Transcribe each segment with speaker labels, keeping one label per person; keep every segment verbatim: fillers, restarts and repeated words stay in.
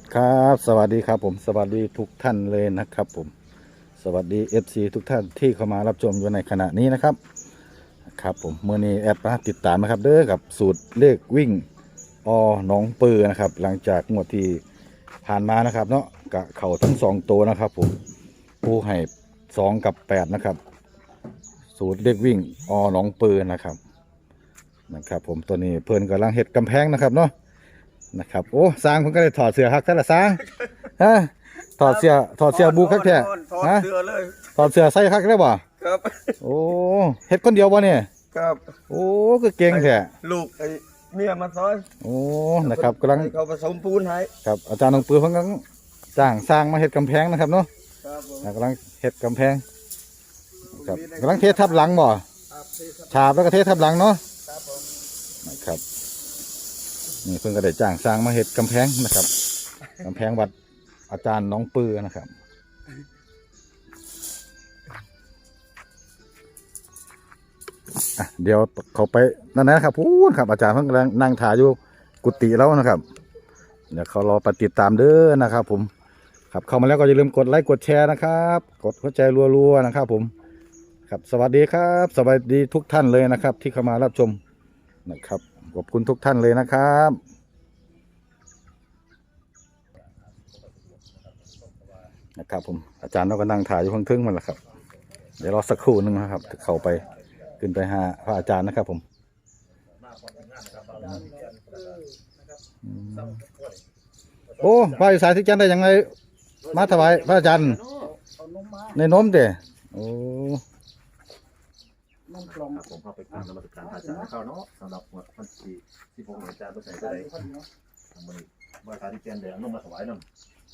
Speaker 1: ครับสวัสดีครับผมสวัสดีทุกท่านเลยนะครับผมสวัสดี เอฟ ซี ทุกท่านที่เข้ามารับชมอยู่ในขณะนี้นะครับครับผมเมื่อนี้แอดมาติดตามนะครับเด้อกับสูตรเลขวิ่งอหนองปือนะครับหลังจากงวดที่ผ่านมานะครับเนาะกะเข่าทั้งสองตัวนะครับผมผู้ให้สองกับแปดนะครับสูตรเลขวิ่งอหนองปือนะครับนะครับผมตัวนี้เพื่อนกำลังเห็ดกำแพงนะครับเนาะนะครับโอ้สร้างเพิ่นก็เลยถอดเสื้อฮักแต่ละสร้างฮะถอดเสื้อถอดเสื้อบูคักแท้
Speaker 2: ถอด
Speaker 1: ฮะ
Speaker 2: เสื้อเลย
Speaker 1: ถอดเสื้อใส่คักได้บ่
Speaker 2: ครับ
Speaker 1: โอ้เฮ็ดคนเดียวบ่เนี่ย
Speaker 2: ครับ
Speaker 1: โอ้ก็เก่งแท้
Speaker 2: ลูกไอ้เมียมาซอย
Speaker 1: โอ้นะครับกำลัง
Speaker 2: ให้เขาผสมปูนให้
Speaker 1: ครับอาจารย์น้องปือเพิ่นกำลังจ้างสร้างมาเฮ็ดกำแพงนะครับเนาะ
Speaker 2: ครับผม
Speaker 1: กำลังเฮ็ดกำแพงครับกำลังเททับหลังบ่
Speaker 2: ครับที่ครับ
Speaker 1: ฉาบแล้วก็เททับหลังเนาะ
Speaker 2: ครับผม
Speaker 1: นะครับนี่เพิ่นก็ได้จ้างสร้างมาเฮ็ดกำแพงนะครับกำแพงวัดอาจารย์น้องปือนะครับอ่ะเดี๋ยวเขาไปนั่นนะครับพูดครับอาจารย์เพิ่งกำลังนั่งถ่ายอยู่กุฏิแล้วนะครับเดี๋ยวเขารอปฏิดตามเด้อนะครับ ผมครับเข้ามาแล้วก็อย่าลืมกดไลค์กดแชร์นะครับ กดหัวใจรัวๆนะครับ ผมครับสวัสดีครับ สวัสดีทุกท่านเลยนะครับ ที่เข้ามารับชมนะครับขอบคุณทุกท่านเลยนะครับนะครับผมอาจารย์เราก็นั่งถ่ายอยู่ข้างทึ่งมันแหละครับเดี๋ยวรอสักครู่หนึงนะครับเข้าไปขึ้นไปหาพระอาจารย์นะครับผมอืมโอ้พระอิสายที่จันได้ยังไงมาถวายพระอาจารย์ในนมเด้โอ้
Speaker 2: น้ำกล่อง
Speaker 3: ครับผมเข้าไปกราบนมัสการพระอาจารย์เข้าเนาะสำหรับวันที่ที่ผมอาจารย์ไปใส่ได้ทำมันว่าการที่แกนแดงน้องมาถวายน้ำ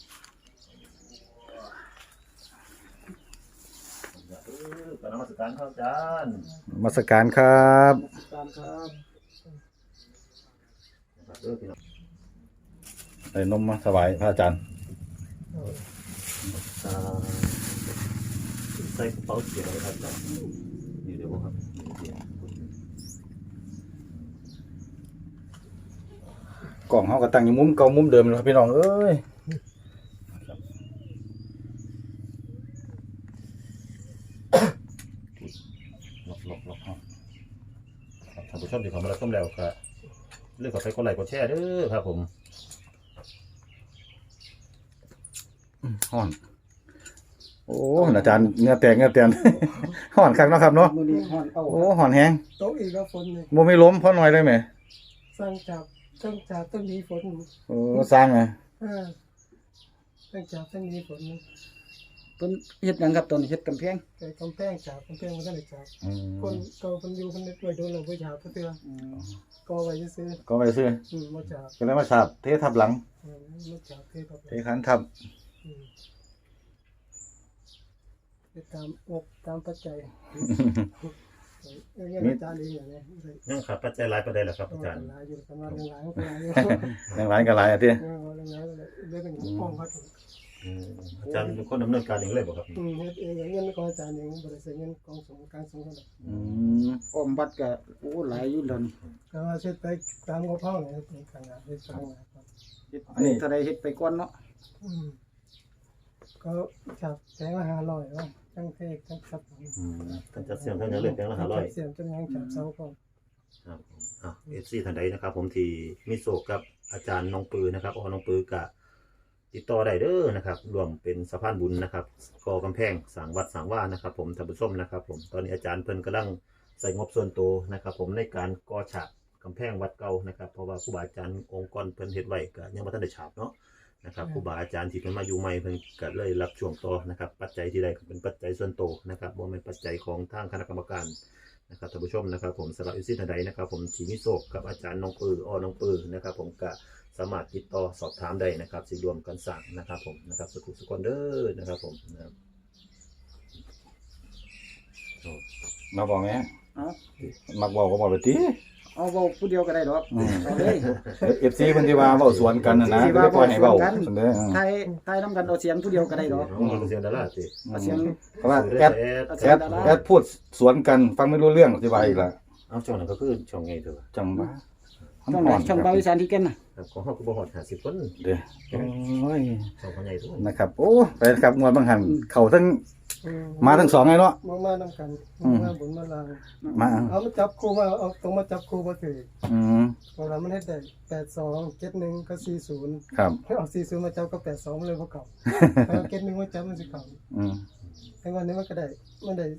Speaker 3: เออกราบนมัสการพระอาจารย์
Speaker 1: นมัสการครับ
Speaker 2: ตามครับ
Speaker 3: เออพี่น้อง
Speaker 1: ได้นมมาถวายพระอาจารย์
Speaker 3: อ่าใส่กระเป๋าเสียอะไรครับอาจารย์นี่เดี๋ยวครับเดี๋ยว
Speaker 1: กล่องเขาก็ตั้งอยู่มุมเก่ามุมเดิมเลยครับพี่น้องเอ้ยหลบหลบหลบครับท่านผู้ชมที่เข้ามารับชมแล้วก็เรื่องกดไลค์กดไลค์กดแชร์เด้อครับผมห่อนโอ้อาจารย์เงือแตกเงือแตน ห่อนคักเนาะครับเนาะ
Speaker 2: มือนี้ห่อนเอา
Speaker 1: โอ้ห่อนแห้ง
Speaker 2: โต๊ะอีกแล้วฝนนี่
Speaker 1: บ่ไม่ล้มเพราะหน่อยได้ไหม
Speaker 2: สร้างจับสร้างจับต้องมีฝน
Speaker 1: โอ้สร้างไง
Speaker 2: อ่าสร้างจับต้องมีฝน
Speaker 4: ต้นเฮ็ดหยังครับต้นเฮ็ดกำแพง
Speaker 2: ไก่กำแพงจับกำแพงมันก็เลยจับ
Speaker 1: อืม
Speaker 2: คนเก่าคนอยู่คนนี้ด้วยโดนเราไปจับเพื่อก็ไว้ซื้อ
Speaker 1: ก็ไปซื้อ
Speaker 2: อืมมาจับ
Speaker 1: ก็เลยมาฉาบเททับหลัง
Speaker 2: อืมมาจับเทครับ
Speaker 1: เทขันทับ
Speaker 2: อืมไปตามอกตามปัจจัยเงี้ยอาจารย์เองอย่างนี้
Speaker 3: ยังขาดปัจจัยหลายประเด็นเหรอครับ
Speaker 2: ก็
Speaker 3: อาจารย์
Speaker 2: หลายอยู่ประมาณหนึ่งหลายก็หลายอยู่
Speaker 1: แรงหลายกันหลายอ่ะที่
Speaker 2: เออหลายหลายเลยเรื่องของห้องเขาถึง
Speaker 3: อืมอาจารย์เป็นคนดำเนินการเองเลยบอกครับ
Speaker 2: อืมเฮ็ดเองอย่างเงี้ยของอาจารย์เองบริษัทเงินกองสงการสงฆ์กัน
Speaker 1: อืม
Speaker 4: อ้อมวัดก็โอ้หลายอยู่แล้วนี่
Speaker 2: ก็ว่าเช็ดไปตามงบห้องเนี่ยเป็นขนาดเป็นขนาดครับ
Speaker 4: เฮ็ดไปเท่าใดเฮ็ดไปก่อนเนาะ
Speaker 2: อืมก็จับแสงละห้าร้อยว่าทั้งเทศทั้งครับผม
Speaker 3: อืมท่านจัดเสียงท่านยังเลือกแปลงละห้าร้อย
Speaker 2: เสียงจนยังจับเสาก่อน
Speaker 3: ครับผมอ่ะเอฟซีท่านใดนะครับ ผมที่มีโศกกับอาจารย์น้องปือนะครับอ๋อน้องปือกะติดต่อได้เด้อนะครับรวมเป็นสะพานบุญนะครับก่อกำแพงสร้างวัดสร้างว่านะครับ ผมท่านผู้ชมนะครับ ผมตอนนี้อาจารย์เพิ่นกำลังใส่งบส่วนตัวนะครับ ผมในการก่อฉากกำแพงวัดเก่านะครับเพราะว่าครูบาอาจารย์องค์กรเพิ่นเฮ็ดไว้ก็ยังบ่ทันได้ฉาบเนาะนะครับครูบาอาจารย์ที่เพิ่นมาอยู่ใหม่เพิ่นก็เลยรับช่วงต่อนะครับ ปัจจัยที่ได้ก็เป็นปัจจัยส่วนตัวนะครับบ่แม่นปัจจัยของทางคณะกรรมการ นะครับท่านผู้ชมนะครับผมสำหรับอิสิทันใดนะครับผมทีมิโซกกับอาจารย์น้องปืออ้อน้องปือนะครับผมก็สามารถติดต่อสอบถามได้นะครับสิรวมกันสั่งนะครับผมนะครับสกุลสกุลเด้อนะครับผมนะครับโอ้
Speaker 1: มาบอกไหม
Speaker 4: เอ้า
Speaker 1: มักบอกก็บอกไปที
Speaker 4: เอาเว้าผู้เดียวก็ได้ดอกเอาเลย
Speaker 1: เอฟซีเพิ่นที่ว่าเว้าสวนกันน่ะนะ
Speaker 4: ที่
Speaker 1: ก็
Speaker 4: ว่า
Speaker 1: เลยปล่อยให้เว้า
Speaker 4: เว้าสวนกัน
Speaker 1: ซั่นเด้อ
Speaker 4: ไทยไทยนำกันเอาเสียงผู้เดียวก็ได้ดอก
Speaker 3: อืมเสียงดาราสิ
Speaker 4: เอาเสียง
Speaker 1: เพราะว่าแอด
Speaker 3: แอด
Speaker 4: เอา
Speaker 1: แอ
Speaker 4: เสียง
Speaker 1: ด
Speaker 4: ดารา
Speaker 1: แอดพูดสวนกันฟังไม่รู้เรื่องอธิบายอีกละ
Speaker 3: เอาช่องนั้นก็คือช่องไงเถอะ
Speaker 1: จังว่า
Speaker 4: ช่องไหนช่องเบาอีสานที่แก่นน่ะ
Speaker 3: ครับของเฮาก็บ่ฮอดห้าสิบคน
Speaker 1: เด้อโอ้ย
Speaker 3: ช่องพ่อใหญ่ทุกคน
Speaker 1: นะครับ โอ้ไปครับงวดบางหันเข้าทั้ง
Speaker 2: อื
Speaker 1: มาทั้งสองไงเนาะ
Speaker 2: มามานํกัน
Speaker 1: อืม
Speaker 2: มาบุญมาลาง
Speaker 1: มา
Speaker 2: เอามาจับคู่มาเอาตรงมาจับคู่บ่ถือ
Speaker 1: อืม
Speaker 2: เวลามันเฮ็ดได้แปดสองเจ็ดหนึ่งก็สี่ศูนย์
Speaker 1: ครับ
Speaker 2: เอาสี่ศูนย์มาจับก็แปดสองมันเลยบ่เข้าเอาเจ็ดหนึ่งมาจับมันสิเข้า
Speaker 1: อืม
Speaker 2: แต่วันนี้มันก็ได้มันได้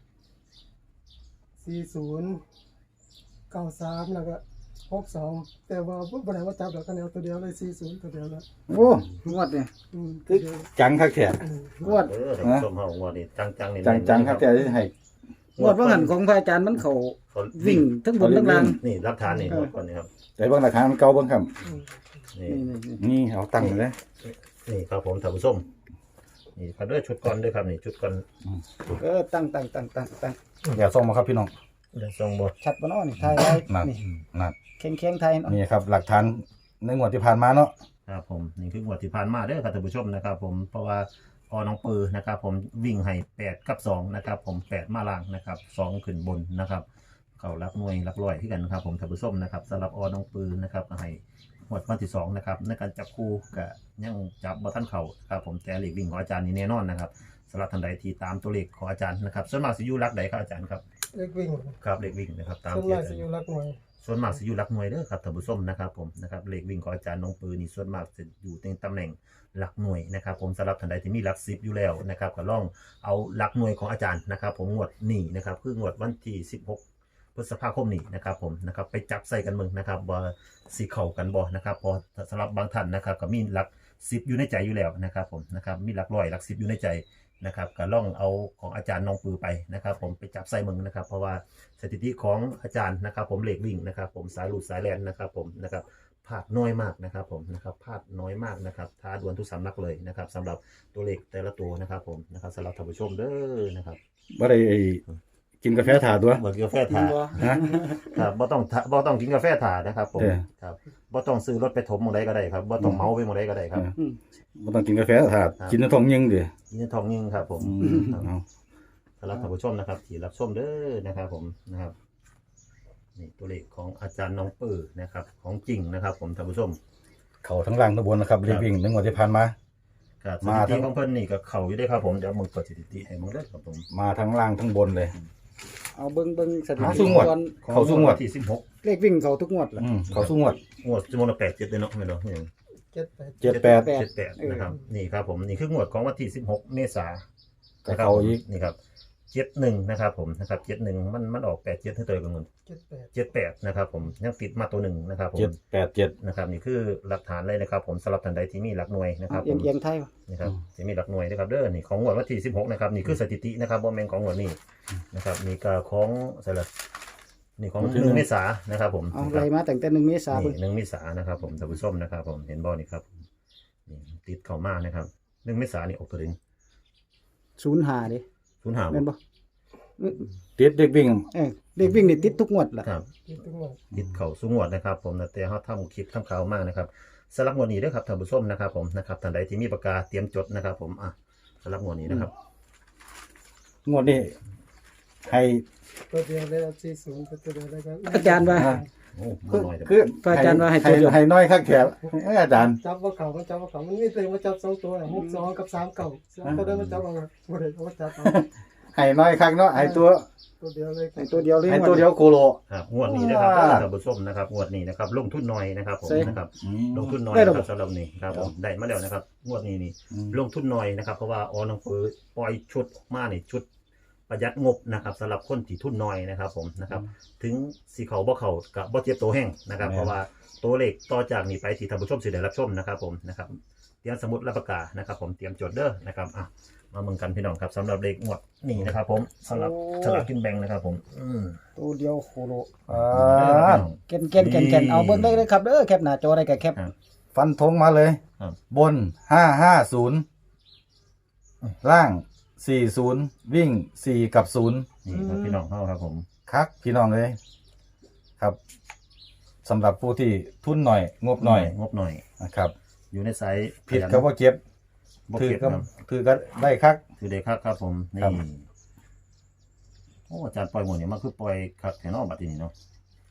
Speaker 2: สี่ศูนย์เก้าสามแล้วก็หกสองแต่ว่าบ่ได้ว่าจับดอกกันเอาตัวเดียวเลยสี่ศูนย์ตัวเดียวแล้ว
Speaker 1: โอ้
Speaker 4: งวดเนี่ย
Speaker 2: อืม
Speaker 1: คือจังคักแท้
Speaker 2: อืม
Speaker 4: งวด
Speaker 3: เออท่านผู้ชมเฮางวดนี้จังๆนี่
Speaker 1: จังจังคักแท้ที่ให้
Speaker 4: งวดว่าหันของพระอาจารย์มันเขา
Speaker 3: เขา
Speaker 4: วิ่งทั้งบนทั้งล่าง
Speaker 3: นี่หลักฐานนี่งวดก่อนนี่ครับ
Speaker 1: แต่เบิ่งหลักฐานมันเก่าเบิ่งครับ
Speaker 2: อืม
Speaker 3: นี่
Speaker 4: นี่นี่นี่
Speaker 1: นี่เอาตั้งเลย
Speaker 3: นี่ครับผมท่านผู้ชมนี่ครับเด้อชุดก่อนเด้อครับนี่ชุดก่อน
Speaker 4: เออตั้งตั้งตั้งตั้งตั้ง
Speaker 1: อย่าส่งมาครับพี่น้อง
Speaker 3: เดี๋ยวส่งบ่
Speaker 4: ชัดบ่เนาะนี่ถ่ายไว้
Speaker 1: นั่น
Speaker 4: นี่
Speaker 1: นั่น
Speaker 4: แข็งแข็งๆไทยเนาะ
Speaker 1: นี่ครับหลักฐานในงวดที่ผ่านมาเนาะ
Speaker 3: ครับผมนี่คืองวดที่ผ่านมาเด้อครับท่านผู้ชมนะครับผมเพราะว่าพอน้องปือนะครับผมวิ่งให้แปดกับสองนะครับผมแปดมาล่างนะครับสองขึ้นบนนะครับเขารักหน่วยรักร้อยที่กันนะครับผมท่านผู้ชมนะครับสำหรับอน้องปือนะครับก็ให้หมดวันที่สองนะครับในการจับคู่กับยังจับบอท่านเขาครับผมแต่เลขวิ่งของอาจารย์นี่แน่นอนนะครับสำหรับท่านใดที่ตามตัวเลขของอาจารย์นะครับส่วนมากสิอยูรักใดครับอาจารย์ครับ
Speaker 2: เลขวิ่ง
Speaker 3: ครับเลขวิ่งนะครับตาม
Speaker 2: ส่วน
Speaker 3: ที่
Speaker 2: มาก
Speaker 3: อาจาร
Speaker 2: สิ
Speaker 3: ย์
Speaker 2: อยู่หลักหน่วย
Speaker 3: ส่วนมากจะอยู่หลักหน่วยเด้อครับท่านผู้ชมนะครับผมนะครับเลขวิ่งของอาจารย์น้องปืนนี่ส่วนมากจะอยู่ในตำแหน่งหลักหน่วยนะครับผมสำหรับท่านใดที่มีหลักสิบอยู่แล้วนะครับก็ลองเอาหลักหน่วยของอาจารย์นะครับผมงวดนี้นะครับคืองวดวันที่สิบหกพฤษภาคมนี้นะครับผมนะครับไปจับใส่กันมึงนะครับว่าสีเข่ากันบ่นะครับพอสำหรับบางท่านนะครับก็มีหลักสิบอยู่ในใจอยู่แล้วนะครับผมนะครับมีหลักร้อยหลักสิบอยู่ในใจนะครับก็ล่องเอาของอาจารย์น้องปือไปนะครับผมไปจับใส่มึงนะครับเพราะว่าสถิติของอาจารย์นะครับผมเลขวิ่งนะครับผมสายหลุดสายแลนนะครับผมนะครับพลาดน้อยมากนะครับผมนะครับพลาดน้อยมากนะครับท้าดวลทุกสำนักเลยนะครับสำหรับตัวเลขแต่ละตัวนะครับผมนะครับสำหรับท่านผู้ชมเด้อนะครับ
Speaker 1: บ่ได้ไอ้กินกาแฟถาดตัว
Speaker 3: เหมือนกาแฟ
Speaker 4: จริ
Speaker 3: ถาง
Speaker 4: บ่
Speaker 1: ฮะ
Speaker 3: ครับบ่ต้องทาบ่ต้องกินกาแฟถานะครับผม
Speaker 1: เด้อ
Speaker 3: ครับบ่ต้องซื้อรถไปถมหมองใดก็ได้ครับบ่ต้องเมาไปหมองใดก็ได้ครับ
Speaker 4: อืม
Speaker 1: บ่ต้องกินกาแฟถาดกินน้ำทองยิงดิ
Speaker 3: ยินดีทองยิ่งครับผม
Speaker 1: อืมเอา
Speaker 3: สำหรับท่านผู้ชมนะครับที่รับชมเด้อนะครับผมนะครับนี่ตัวเลขของอาจารย์น้องปื้อนะครับของจริงนะครับผมท่านผู้ชม
Speaker 1: เข้าทั้งล่างทั้งบนนะครับเรียกวิ่งในงวดที่ผ่านมา
Speaker 3: ครับส
Speaker 1: มา
Speaker 3: ถิ
Speaker 1: ทั้
Speaker 3: ติ
Speaker 1: ง
Speaker 3: ของเพิ่นนี่ก็เข้าอยู่ได้ครับผมเดี๋ยวมึงเปิดสถิติให้มึงเด้อครับผม
Speaker 1: มาทั้งล่างทั้งบนเลย
Speaker 4: เอาเบิ่งเบิ่งสถิ
Speaker 1: หา
Speaker 4: ติ
Speaker 1: สู้งวด
Speaker 4: ก่อน
Speaker 1: เข้าสู่งวด
Speaker 3: ที่สิบหก
Speaker 4: เลขวิ่งเขาทุกงวดล่ะ
Speaker 1: อืมเข้าสู่งวด
Speaker 3: งวดจำนวนละแปดเจ็ดเลยเนาะไม่เนาะ
Speaker 2: เจ็ดแปด
Speaker 1: เจ็ดแปด
Speaker 3: เจ็ดแปดนะครับนี่ครับผมนี่คืองวดของวันที่สิบหกเมษายน
Speaker 1: ก็เข้าอีก
Speaker 3: นี่ครับเจ็ดหนึ่งนะครับผมนะครับเจ็ดหนึ่งมันมันออกแปดเจ็ดให้ตัวกันเงิน
Speaker 2: เจ็ดแปด
Speaker 3: เจ็ดแปดนะครับผมยังติดมาตัวหนึ่งนะครับผม
Speaker 1: เจ็ดแปดเจ็ด
Speaker 3: นะครับนี่คือหลักฐานเลยนะครับผมสำหรับท่านใดที่มีหลักหน่วยนะครับ
Speaker 4: เอี
Speaker 3: ผ
Speaker 4: ยง
Speaker 3: ม
Speaker 4: เอียงไทยบ่
Speaker 3: นี่ครับที่มีหลักหน่วยนะครับเด้อนี่ของงวดวันที่สิบหกนะครับนี่คือสถิตินะครับบอมแมนของงวดนี้นะครับนี่ก็ของสลับนี่ของหนึ่งเมษายนนะครับผม
Speaker 4: เอาไล่มาตั้งแต่หนึ่งเมษายน
Speaker 3: นี่หนึ่งเมษายนนะครับผมท่านผู้ชมนะครับผมเห็นบอนี่ครับนี่ติดเข้ามานะครับหนึ่งเมษายนนี่ออกตัวเด่น
Speaker 4: ศูนย์ห้าดิ
Speaker 3: ศูนย์หา
Speaker 4: แม่นบ่
Speaker 1: ติดเด็กวิ่ง
Speaker 4: เออเลขวิ่งนี่ติดทุกงวดล่ะ
Speaker 3: ครับ
Speaker 2: ที่ทุกวัน
Speaker 3: ติดเข่าสูงวดนะครับผมนะแต่เขาทำคลิปทำข่าวมากนะครับสำหรับงวดนี้ด้วยครับท่านผู้ชมนะครับผมนะครับท่านใดที่มีปากกาเตรียมจดนะครับผมอ่ะสำหรับงวดนี้นะครับ
Speaker 1: งวดนี้ให้
Speaker 2: ตัวเดียวเลยเอาสี่ศูนย์ตัวเดียวเลยครับ
Speaker 4: อาจารย์ว่า
Speaker 3: โอ้บ่
Speaker 1: คือ
Speaker 3: น้อยแต่
Speaker 1: คือ
Speaker 4: พระอาจารย์ว่าให้ตัวเดียว
Speaker 1: ให้น้อยคักแถบอาจารย์
Speaker 2: จับว่าเขามันจับว่าเขามันมีตัวมาจับสองตัวน่ะหกสองกับสามเก่าสามตัวได้มาจับเอาบ่ได้เอามาจับเอา
Speaker 1: ให้น้อยคักเนาะให้ตัว
Speaker 2: ตัวเดียวเลย
Speaker 4: ให้ตัวเดียวเลย
Speaker 1: ให้
Speaker 4: ง
Speaker 1: ตัวเดียวโคโล
Speaker 3: ครับงวดนี้นะครับ
Speaker 1: อ่า
Speaker 3: ท่านผู้ชมนะครับงวดนี้นะครับลงทุนน้อยนะครับผม
Speaker 4: ใช่
Speaker 3: นะครับ
Speaker 1: อืม
Speaker 3: ลงทุนน้อย
Speaker 4: ได้หรอ
Speaker 3: นะครับสำหรับนี้ครับผมได้มาแล้วนะครับงวดนี้นี่
Speaker 1: อืม
Speaker 3: ลงทุนน้อยนะครับเพราะว่าออน้องเฟิร์ปล่อยชุดออกมานี่ชุดประหยัดงบนะครับสำหรับคนที่ทุนน้อยนะครับผมนะครับถึงสีเขาบ่เขากับบ่เจ็บตัวแห้งนะครับเพราะว่าตัวเลขต่อจากนี้ไปที่ท่านผู้ชมสิได้รับชมนะครับผมนะครับเตรียมสมุดและปากกานะครับผมเตรียมจดเด้อนะครับอ่ะมาเมืองกันพี่น้องครับสำหรับเลขงวดนี้นะครับผมสำหรับฉลากกินแบ่งนะครับผมอืม
Speaker 4: ตัวเดียวโคโล
Speaker 1: อ่
Speaker 3: เด้อค
Speaker 1: า
Speaker 3: รับพี่น้อง
Speaker 4: เก่นเก่นเก่นเก่นเอาเบิ่งได้เลยครับเด้อแคปหน้าจอได้ก็แคป
Speaker 3: ครับ
Speaker 1: ฟันธงมาเลย
Speaker 3: ครับ
Speaker 1: บนห้าห้าศูนย์ล่างสี่ศูนย์วิ่งสี่กับศูนย์
Speaker 3: นี่ครับพี่น้องเข้าครับผม
Speaker 1: คักพี่น้องเลยครับสำหรับผู้ที่ทุนหน่อย งบหน่อย
Speaker 3: งบหน่อย
Speaker 1: นะครับ
Speaker 3: อยู่ในไซส์
Speaker 1: ผิดก็ว่าเจ็บ
Speaker 3: บ่
Speaker 1: ถือ
Speaker 3: เก็บ
Speaker 1: ก็
Speaker 3: ครับ
Speaker 1: ถือก็ได้คัก
Speaker 3: คือเด็กครับครับผม
Speaker 1: ครั
Speaker 3: นี่
Speaker 1: บ
Speaker 3: โอ้อาจารย์ปล่อยหมดเนี่ยมันคือปล่อยครับแถวนอกบัดทีนี้เนาะ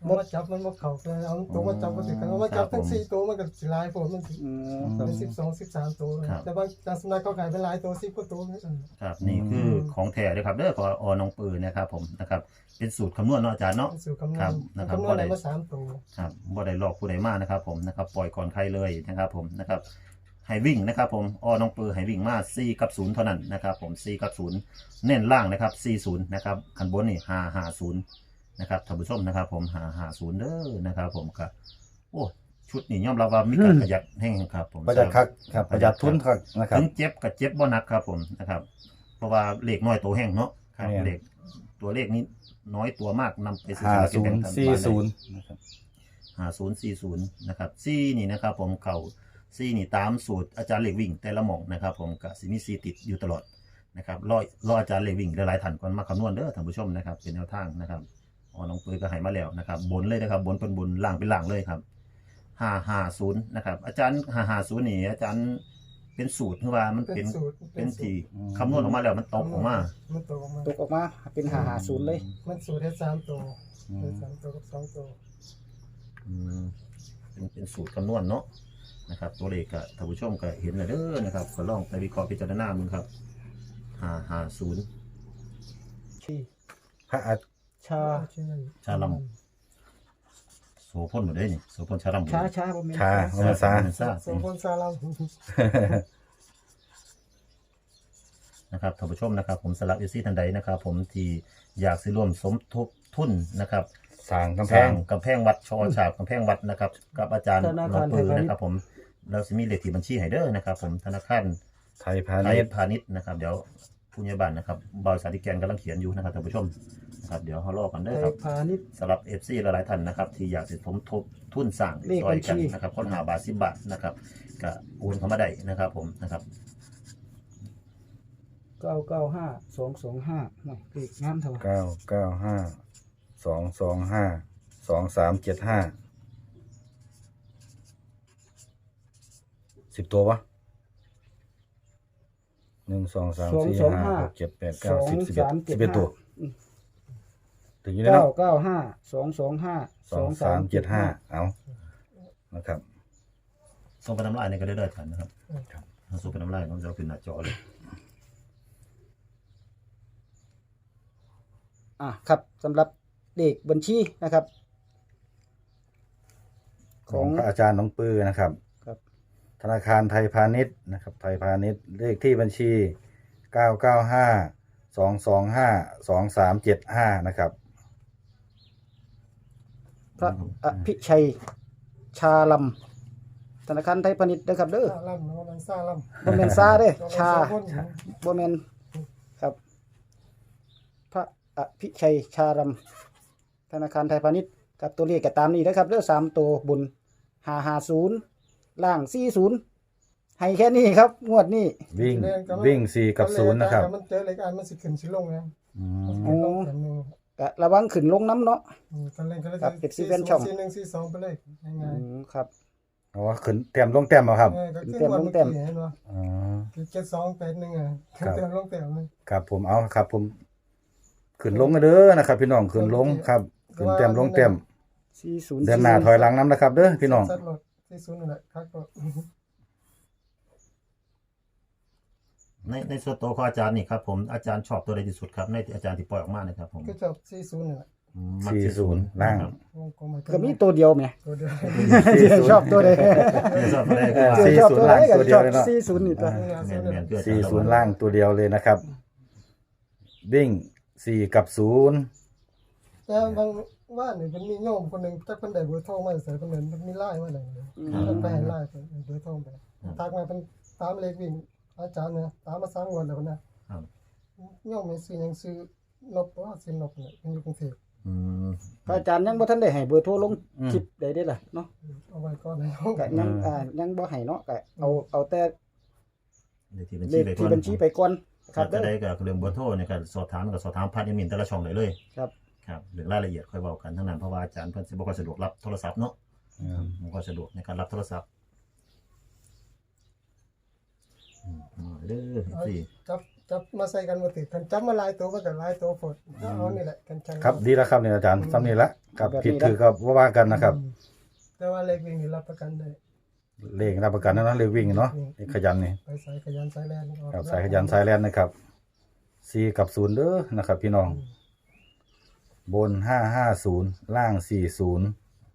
Speaker 2: มันมาจับมันมาเข่าเลยเอาตัวมาจับก็ถือกันเอามาจับทั้งสี่ตัวมันก็สิหลายผมมันสิ
Speaker 4: อืมครับ
Speaker 2: เป็นสิบสองสิบสามตัวเลยแต่บางจานสำนักเขาขายเป็นหลายตัวสิบกว่าตัวนี่
Speaker 3: ครับนี่คือของแท้เลยครับเด้อขออน้องปืนนะครับผมนะครับเป็นสูตรคำนวณเนาะอาจารย์เนาะ
Speaker 2: เป็นสูตรคำนว
Speaker 3: ครั
Speaker 2: ณ
Speaker 3: บนะครับ
Speaker 2: คำนวณได้มาสามตัว
Speaker 3: ครับบ่ได้หลอกผู้ใดมานะครับผมนะครับปล่อยก่อนใครเลยนะครับผมนะครับให้วิ่งนะครับผมอน้องปือให้วิ่งมาสี่กับศูนย์เท่านั้นนะครับผมสี่กับศูนย์เน้นล่างนะครับสี่ศูนย์นะครับขันบนนี่ห้าห้าศูนย์นะครับท่านผู้ชมนะครับผมห้าห้าศูนย์เด้อนะครับผมครับโอ้ชุดนี้ยอมรับว่ามีการประหยัดแห้งครับผม
Speaker 1: ประหยัดคักครับประหยัดทุนคักนะครับ
Speaker 3: ถึงเจ็บกับเจ็บบ่หนักครับผมนะครับเพราะว่าเลขน้อยตัวแห้งเนาะครับ
Speaker 1: เนี่ย
Speaker 3: เลขตัวเลขนี้น้อยตัวมากนำไปซื้อ
Speaker 1: ห้า
Speaker 3: สลากกิ
Speaker 1: ศู
Speaker 3: นแบ่
Speaker 1: น
Speaker 3: ง
Speaker 1: ย์
Speaker 3: รัฐบาล
Speaker 1: สี่
Speaker 3: ได้
Speaker 1: ศูนย์นะครับ
Speaker 3: ห้าศูนย์สี่ศูนย์นะครับซี่นี่นะครับผมเข่าซี่นี่ตามสูตรอาจารย์เหล็กวิ่งแต่ละหม่องนะครับผมกับสิมีซีติดอยู่ตลอดนะครับรอรออาจารย์เหล็กวิ่งหลายๆท่านก่อนมาคำนวณเด้อท่านผู้ชมนะครับเป็นแนวทางนะครับอ๋อน้องปืนก็ให้มาแล้วนะครับบนเลยนะครับบนเป็นบนล่างเป็นล่างเลยครับห้าห้าศูนย์นะครับอาจารย์ห้าห้าศูนย์นี่อาจารย์เป็นสูตรคือว่ามัน
Speaker 2: เป็
Speaker 3: เป็น น
Speaker 2: สูตร
Speaker 3: เป็น
Speaker 2: สู
Speaker 3: ที
Speaker 2: ตร
Speaker 3: คำนวณออกมาแล้วมันตกออกมา
Speaker 2: มันตกออกมา
Speaker 4: ตกออกมาเป็นห้าห้าศูนย์เลย
Speaker 2: มันสูตรได้สามตัวได้สามตัวกับสองตัว
Speaker 3: อืมเป็นเป็นสูตรคำนวณเนาะนะครับตัวเลขก็ท่านผู้ชมก็เห็นแล้วเด้อนะครับก็ลองไปวิเคราะห์พิจารณามึงครับห้าห้าศูนย์
Speaker 2: ที่
Speaker 1: พระอาจ
Speaker 2: ชา
Speaker 3: ชาลำโสพลหมดเลยนี่โสพลชาลำ
Speaker 4: ช้าช้าบ่แม่น
Speaker 1: ชาโมนาซา
Speaker 3: ซา
Speaker 2: สมพลชาลาม
Speaker 3: นะครับท่านผู้ชมนะครับ ผมสลับยูซี่ทันใดนะครับ ผมที่อยากซื้อร่วมสมทบทุนนะครับ
Speaker 1: สร้างกำแพ
Speaker 3: สร้าง งกำแพงวัดชอฉาบกำแพงวัดนะครับ กับอาจารย์
Speaker 4: ธนา
Speaker 3: น้อ
Speaker 4: คาง รไท
Speaker 3: ปื
Speaker 4: ย
Speaker 3: อ
Speaker 4: พาณิช
Speaker 3: นะครับ
Speaker 4: ย์
Speaker 3: ผมเราจะมีเลขที่บัญชีให้เด้อนะครับ ผมธนาคาร
Speaker 1: ไทยพา
Speaker 3: ไท
Speaker 1: ณิ
Speaker 3: ย
Speaker 1: ชย์
Speaker 3: พาณิชย์นะครับเดี๋ยวผู้ใหญ่บ้านนะครับบอยสาธิแกนกำลังเขียนอยู่นะครับท่านผู้ชมนะครับเดี๋ยวเขารอกัน
Speaker 4: ไท
Speaker 3: เด้อย ครับ
Speaker 4: พาณิชย์
Speaker 3: สำหรับเอฟซีหลายๆท่านนะครับที่อยากสิสมทบทุนสร้าง
Speaker 4: เลข
Speaker 3: ซอยกัน
Speaker 4: บัญชี
Speaker 3: นะครับค้นหาบาทสิบบาทนะครับก็โอนเข้ามาได้นะครับผมนะครับ
Speaker 4: เก้าเก้าห้าสองสองห้าเลขงามเท่า
Speaker 1: เก้าเก้าห้าสองสองห้าสองสามเจ็ดห้าสิบตัวปะหนึ่งสองสามสี่ห้าหกเจ็ดแปด
Speaker 4: ส
Speaker 1: เก้า
Speaker 4: อง
Speaker 1: สิบสิบเอ็ด
Speaker 4: สามเจ็
Speaker 1: สิ
Speaker 4: ด
Speaker 1: บเอ็ด
Speaker 4: ห้า
Speaker 1: ตัวถึงอยู่ใน
Speaker 4: เก้า
Speaker 1: เนาะ
Speaker 4: เก้าห้าสองสองห้า
Speaker 1: สองสามเจ็ดห้าเอานะครับ
Speaker 3: ส่งไปน้ำลายในก็ได้ด้วยกันนะครับถ้าส่งไปน้ำลายน้องจะเอาขึ้นหน้าจอเลย
Speaker 4: อ่ะครับสำหรับเลขบัญชีนะครับ
Speaker 1: ข
Speaker 4: ข
Speaker 1: อ
Speaker 4: อง ง
Speaker 1: พระอาจารย์น้องปือนะครับ
Speaker 4: ครับ
Speaker 1: ธนาคารไทยพาณิชย์นะครับ ไทยพาณิชย์เลขที่บัญชีเก้าเก้าห้าสองสองห้าสองสามเจ็ดห้านะครับ
Speaker 4: พระอภิชัยชาลำธนาคารไทยพาณิชย์นะครับเด้อ
Speaker 2: ซาลัมแล้วมันซาลัม
Speaker 4: บ่แม่นซาเด้อชา
Speaker 2: คน
Speaker 4: บ่แม่นครับ พระอภิชัยชาลำธนาคารไทยพาณิชย์กับตัวเลขก็ตามนี้นะครับเด้อสามตัวบนห้าห้าศูนย์ล่างสี่ศูนย์ให้แค่นี้ครับ งวดนี้
Speaker 1: วิ่งวิ่งสี่กับศูนย์นะครับ
Speaker 2: มันเจอรายการมันสิขึ้นสิลงนะ
Speaker 1: อืม
Speaker 2: มันขึ้นลงกันหนึ่ง
Speaker 4: ก็ระวังขึ้นลงน้ำเนาะ
Speaker 2: อืมกันเล่นกันเล่น
Speaker 4: ครับเป็นซีเว่นช่อง
Speaker 2: สี่หนึ่งสี่สองไปเลยง่าย
Speaker 4: อืมครับ
Speaker 1: เอาว่าขึ้นเต็มลงเต็มเอาครับ
Speaker 2: ๆเออก็ขึ้น
Speaker 4: เต็ม
Speaker 2: วัน
Speaker 4: ลง
Speaker 2: เมื่อ
Speaker 4: เต็ม
Speaker 2: กี้เห็นป่ะ
Speaker 1: อ๋อ
Speaker 2: คือเจ็ดสองแปดหนึ่งอ่ะ
Speaker 1: ครับ
Speaker 2: เต็มลงเต็มเลย
Speaker 1: ครับผมเอาครับผมขึ้นลงกันเด้อนะครับ พี่น้องขึ้นลงครับขึ้นเต็มลงเต็ม
Speaker 4: สี่ศูนย์
Speaker 1: เดินหน้าถอยหลังน้ำนะครับ เด้อพี่น้อง
Speaker 2: สัตว์รถที่ศูนย์นั่นแหละครับก็
Speaker 3: ในในส่วนตัวของอาจารย์นี่ครับผมอาจารย์ชอบตัวใดที่สุดครับในที่อาจารย์ที่ปล่อยออกมานะครับผม
Speaker 2: ก็จบสี่ศูนย์นั่นแหละ
Speaker 3: อืมมัก
Speaker 1: สี่
Speaker 3: ที่
Speaker 1: ศูนย์ล่าง
Speaker 3: ครับ
Speaker 2: วงกลมให้
Speaker 4: ก็มีตัวเดียวไหม
Speaker 2: ตัวเดียว
Speaker 4: ชอบตัวใด
Speaker 3: ไม่ชอบตัวใดก็ว่า
Speaker 1: สี่
Speaker 4: ชอบ
Speaker 1: ศูน
Speaker 4: ตัว
Speaker 1: ย์
Speaker 4: ใด
Speaker 1: ล่าง
Speaker 4: ก็
Speaker 1: ตัวเดี
Speaker 4: ช
Speaker 1: ยว
Speaker 4: อบ
Speaker 1: เลยเนาะ
Speaker 4: สี่ศูนย์นี่ตัว
Speaker 3: แม่นแม่นคืออาจาร
Speaker 1: สี่
Speaker 3: ย์
Speaker 1: ศูนย์ล่างตัวเดียวเลยนะครับ วิ่งสี่กับศูนย์
Speaker 2: แต่บางว่านี่มันมีโยมคนหนึ่งจักคนใดเบอร์โทรมาใส่คนนั้นมันมีไล่มาไหนเลยมันไปให้ไล่ไปเบอร์โทรไปทักมาเป็นตามเลขวิ่งอาจารย์เนี่ยตามมาสามวันแล้วนะครับ โยมมีซื้อยังซื้อนบว่าซื้อนบเนี่ยเป็นอยู่กรุงเทพ
Speaker 3: อืม
Speaker 4: พระอาจารย์ยังบ่ทันได้ให้เบอร์โทรลงคลิปใดได้ล่ะเนาะ
Speaker 2: เอาไว้ก่อนนะ
Speaker 4: ก็ยังอ่ายังบ่ให้เนาะก็เอาเอาแต่
Speaker 3: เลขที่บัญ
Speaker 4: เล
Speaker 3: ชี
Speaker 4: ข
Speaker 3: ไปก่อน
Speaker 4: ที่บัญชีไปก่อนครั
Speaker 3: ถ้า
Speaker 4: บ
Speaker 3: จะ
Speaker 4: เด้อ
Speaker 3: ได้กับเรื่องเบอร์โทรเนี่ยก็สอบถามกับสอบถามผ่านอีเมลแต่ละช่องได้เลย
Speaker 4: ครับ
Speaker 3: ครับเรื่องรายละเอียดค่อยเว้ากันทั้งนั้นเพราะว่าอาจารย์เพิ่นสิบ่ค่อยสะดวกรับโทรศัพท์เนาะบ่ค่อยสะดวกในการรับโทรศัพท์อืมเอาเด้อ
Speaker 2: เอา
Speaker 3: สี่
Speaker 2: จับจับมาใส่กันบ่ติดกันจับมาหลายตัวมันก็หลายตัวโพดก็เอานี่แหละกันชัง
Speaker 1: ครับดีแล้วครับเนี่ยอาจารย์ซ้ำนี่ละครับผิดถือก็ว่าว่ากันนะครับ
Speaker 2: อืมแต่ว่าเลขวิ่งนี่รับประกันได้
Speaker 1: เลขรับประกันนะเนาะเลขวิ่งเนาะเลขขยันนี่
Speaker 2: ไปสายขยันสายแล่นออก
Speaker 1: ครับสายขยันสายแลนนะครับสี่กับศูนย์เด้อนะครับ พี่น้อง บนห้าห้าศูนย์ล่างสี่ศูนย์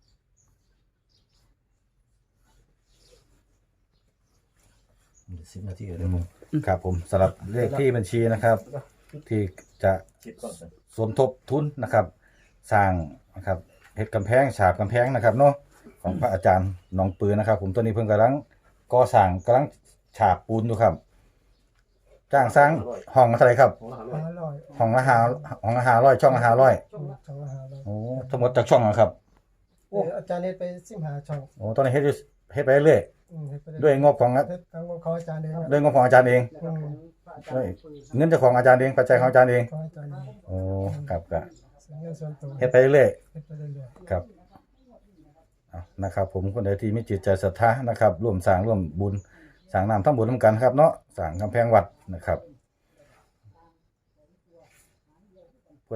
Speaker 3: สิบนาทีเลยมึง
Speaker 1: ครับผมสำหรับเลขที่บัญชีนะครับ ที่จะ
Speaker 3: คิดก่อนสิ
Speaker 1: สมทบทุนนะครับ สร้างนะครับเฮ็ดกำแพงฉาบกำแพงนะครับเนาะของพระอาจารย์หนองปือนะครับ ผมตัวนี้เพิ่งกำลังก่อสร้างกำลังฉาบปูนอยู่ครับ จ้างสร้างห้องละเท่าไหร่ครับ
Speaker 3: ของละ
Speaker 2: ห้า
Speaker 3: ห้าร้อย
Speaker 2: ร้อย
Speaker 1: ห้องละห้าห้องละห้าร้อยช่องละห้าร้อย
Speaker 2: ช่องละห้าร้อย
Speaker 1: โอ้ทั้งหมดจากช่องอะครับ
Speaker 2: เอออาจารย์เฮ็ดไปสิบห้าช่อง
Speaker 1: โอ้ตอนนี้เฮ็ดอยู่เฮ็ดไปเรื่อย
Speaker 2: อืมเฮ็ดไป
Speaker 1: ๆด้วยงบของ
Speaker 2: เฮ็ดทางของอาจารย์เองครับ
Speaker 1: ด้วยงบของอาจารย์เอง
Speaker 2: อืม
Speaker 1: ด้วยเงินเจ้าของอาจารย์เองปัจจัยของอาจารย์เอง
Speaker 2: ของอาจารย์เอง
Speaker 1: โอ้ครับก็
Speaker 2: เสียเงินส่วนตัว
Speaker 1: เฮ็ดไปเรื่อย
Speaker 2: เฮ็ดไปเรื่อย
Speaker 1: ๆครับเอานะครับ ผมคนใดที่มีจิตใจศรัทธานะครับ ร่วมสร้างร่วมบุญสร้างน้ำทำบุญร่วมกันครับเนาะสร้างกำแพงวัดนะครับ